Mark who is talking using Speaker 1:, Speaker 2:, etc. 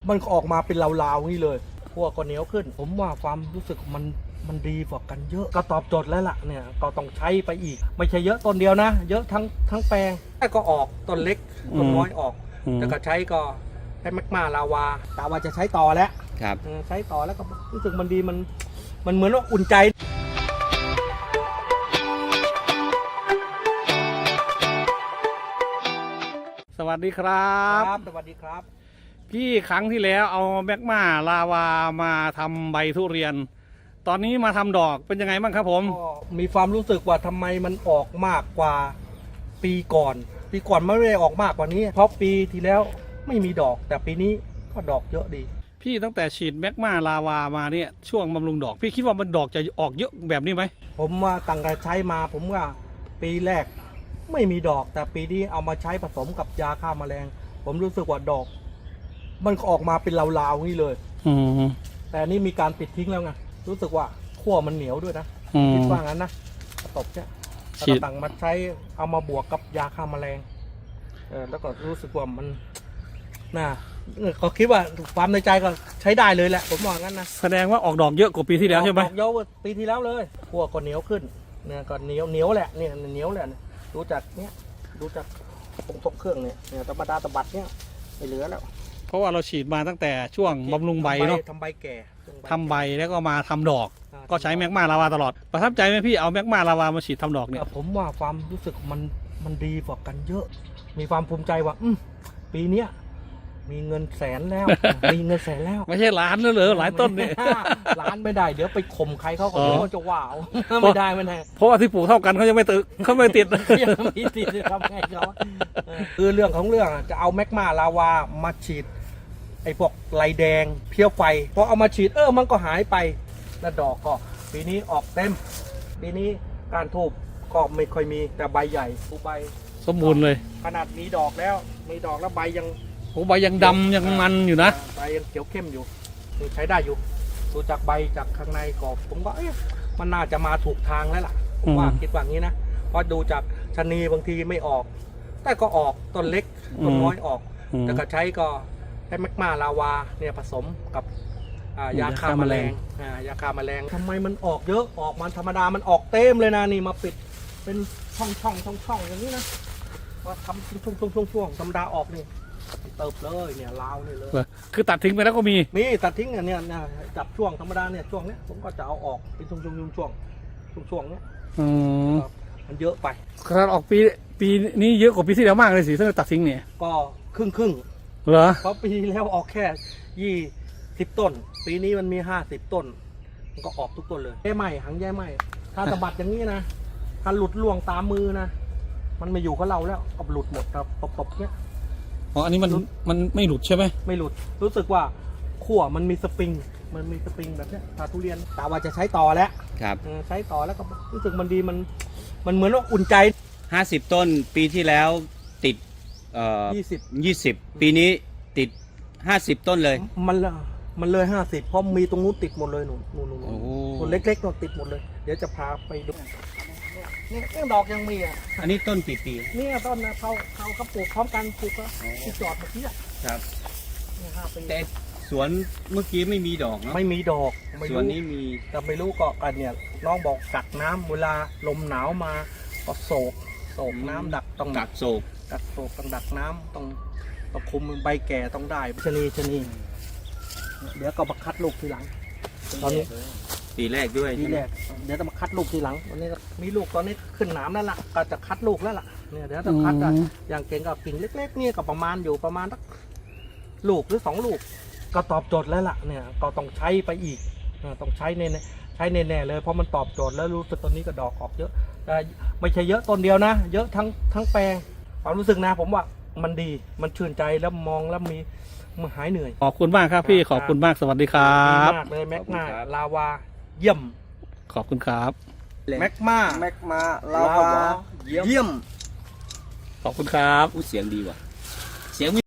Speaker 1: มันออกมาเป็นลาวๆนี่เลยพวกก็เหนียวขึ้นผมว่าความรู้สึกมันดีกว่ากันเยอะก็ตอบโจทย์แล้วล่ะเนี่ยก็ต้องใช้ไปอีกไม่ใช่เยอะต้นเดียวนะเยอะทั้งแปลงแต่ก็ออกต้นเล็กต้นน้อยออกแต่ก็ใช้ก็ใช้แมกมาลาวาแต่ว่าจะใช้ต่อแล้ว
Speaker 2: ครับ
Speaker 1: ใช้ต่อแล้วก็รู้สึกมันดีมันเหมือนว่าอุ่นใจ
Speaker 3: สวัสดีครับ
Speaker 1: สวัสดีครับ
Speaker 3: พี่ครั้งที่แล้วเอาแมกมาลาวามาทำใบทุเรียนตอนนี้มาทำดอกเป็นยังไงบ้างครับผม
Speaker 1: ก็มีความรู้สึกว่าทำไมมันออกมากกว่าปีก่อนไม่ได้ออกมากกว่านี้เพราะปีที่แล้วไม่มีดอกแต่ปีนี้ก็ดอกเยอะดี
Speaker 3: พี่ตั้งแต่ฉีดแมกมาลาวามาเนี่ยช่วงบำรุงดอกพี่คิดว่ามันดอกจะออกเยอะแบบนี้ไหม
Speaker 1: ผมว่าตั้งแต่ใช้มาผมว่าปีแรกไม่มีดอกแต่ปีนี้เอามาใช้ผสมกับยาฆ่าแมลงผมรู้สึกว่าดอกมันออกมาเป็นลาวๆนี่เลยแต่นี่มีการปิดทิ้งแล้วไงรู้สึกว่าขั้วมันเหนียวด้วยนะคิดว่างั้นนะตบเนี่ยต่างมาใช้เอามาบวกกับยาฆ่าแมลงแล้วก็รู้สึกว่ามันน่าก็คิดว่าความในใจก็ใช้ได้เลยแหละผมว่างั้นนะ
Speaker 3: แสดงว่าออกดอกเยอะกว่าปีที่แล้วใช่ไหม
Speaker 1: ออกเยอะกว่าปีที่แล้วเลยขั้วก็เหนียวขึ้นเนี่ยก็เหนียวแหละเนี่ยเหนียวแหละดูจากเนี้ยดูจากตกเครื่องเนี่ยธรรมดาตะบัดเนี่ยไม่เหลือแล้ว
Speaker 3: เพราะว่าเราฉีดมาตั้งแต่ช่วงบำรุงใบเนาะ
Speaker 1: ทำใบแก่
Speaker 3: ทำใบแล้วก็มาทำดอกก็ใช้แมกมาลาวาตลอดประทับใจไหมพี่เอาแมกมาลาวามาฉีดทำดอกเนี่ย
Speaker 1: ผมว่าความรู้สึกมันดีกว่ากันเยอะมีความภูมิใจว่าปีเนี้ยมีเงินแสนแล้วมีเงินแสนแล้ว
Speaker 3: ไม่ใช่ล้านแล้วเหรอหลายต้นเนี่ย
Speaker 1: ล้านไม่ได้เดี๋ยวไปข่มใครเขาก็เดี๋ยวจะว้าวไม่ได้
Speaker 3: เพราะว่าที่ปลูกเท่ากันเขายังไม่ติดเขาไม่ติด
Speaker 1: ยังไม่ติดทำไงเขาคือเรื่องของเรื่องจะเอาแมกมาลาวามาฉีดไอ้พวกลายแดงเพี้ยวไฟพอเอามาฉีดมันก็หายไปแล้วดอกก็ปีนี้ออกเต็มปีนี้การทูบก็ไม่ค่อยมีแต่ใบใหญ่ทุกใบ
Speaker 3: สมบูรณ์เลย
Speaker 1: ขนาดมีดอกแล้วใบยัง
Speaker 3: ใบยังดำยังมันอยู่นะ
Speaker 1: ใบยังเขียวเข้มอยู่ใช้ได้อยู่ดูจากใบจากข้างในกรอบผมว่ามันน่าจะมาถูกทางแล้วล่ะผมว่าคิดว่างี้นะเพราะดูจากชะนีบางทีไม่ออกแต่ก็ออกต้นเล็กต้นน้อยออกแต่ก็ใช้แมกมาลาวาเนี่ยผสมกับยาฆ่าแมลงยาฆ่าแมลงทำไมมันออกเยอะออกมันธรรมดามันออกเต็มเลยนะนี่มาปิดเป็นช่องอย่างนี้นะว่าทำช่วงธรรมดาออกนี่เติบเลยเนี่ยลาวนี่เลย
Speaker 3: คือตัดทิ้งไปแล้วก็มี
Speaker 1: ตัดทิ้งเนี่ยจับช่วงธรรมดาเนี่ยช่วงเนี้ยผมก็จะเอาออกเป็นช่วงเนี้ยมันเยอะไป
Speaker 3: ขนาดออกปีนี้เยอะกว่าปีที่แล้วมากเลยสิถ้าตัดทิ้งเนี่ย
Speaker 1: ก็ครึ่ง
Speaker 3: เหรอ
Speaker 1: เพราะปีแล้วออกแค่20 ต้นปีนี้มันมี50 ต้นมันก็ออกทุกต้นเลยแย่ไหมหางแย่ไหมถ้าสะบัดอย่างนี้นะถ้าหลุดล่วงตามมือนะมันไม่อยู่กับเราแล้วก็หลุดหมดครับตบเนี้ย
Speaker 3: อันนี้มันไม่หลุดใช่ไหม
Speaker 1: ไม่หลุดรู้สึกว่าขั้วมันมีสปริงแบบเนี้ยถ้าทุเรียนแต่ว่าจะใช้ต่อแล้ว
Speaker 2: ครับ
Speaker 1: ใช้ต่อแล้วก็รู้สึกมันดีมันเหมือนว่าอุ่นใจ
Speaker 2: 50 ต้นปีที่แล้วติด20ปีนี้ติด50 ต้นเลย
Speaker 1: มันเลย50เพราะมีตรงนู้นติดหมดเลยหนูต้นเล็กๆเราติดหมดเลยเดี๋ยวจะพาไปดูนี่ดอกยังมี
Speaker 2: อันนี้ต้นกี่ปี
Speaker 1: นี่ต้นนะเขาปลูกพร้อมกันปลูกแล้วที่จอดเมื่อกี้
Speaker 2: ครับแต่สวนเมื่อกี้ไม่มีดอกเนาะ
Speaker 1: ไม่มีดอก
Speaker 2: สวนนี้มี
Speaker 1: แต่ไม่รู้ก็กันเนี่ยน้องบอกกักน้ำเวลาลมหนาวมาก็โศกน้ำดักต้อง
Speaker 2: กักโศก
Speaker 1: ต้องดักน้ำต้องคุมใบแก่ต้องได้ชะนีเดี๋ยวก็มาคัดลูกทีหลังตอนนี้
Speaker 2: ปีแรกด้วย
Speaker 1: ปีแรกเดี๋ยวจะมาคัดลูกทีหลังวันนี้มีลูกตอนนี้ขึ้นหนามแล้วล่ะก็จะคัดลูกแล้วล่ะเนี่ยเดี๋ยวจะคัดอย่างเก่งกับกิ่งเล็กๆนี่ก็ประมาณสักลูกหรือ2 ลูกก็ตอบโจทย์แล้วล่ะเนี่ยก็ต้องใช้ไปอีกต้องใช้แน่เลยเพราะมันตอบโจทย์แล้วรู้สึกตอนนี้ก็ดอกออกเยอะแต่ไม่ใช่เยอะต้นเดียวนะเยอะทั้งแปลงความรู้สึกนะผมว่ามันดีมันชื่นใจแล้วมองแล้วมันหายเหนื่อย
Speaker 3: ขอบคุณมากครับพี่ขอบคุณมากสวัสดีครับ
Speaker 1: มากเลยแมกมาลาวาเยี่ยม
Speaker 3: ขอบคุณครับ
Speaker 1: แมกมาลาวาเยี่ยม
Speaker 3: ขอบคุณครับ
Speaker 2: เสียงดีว่ะเสียง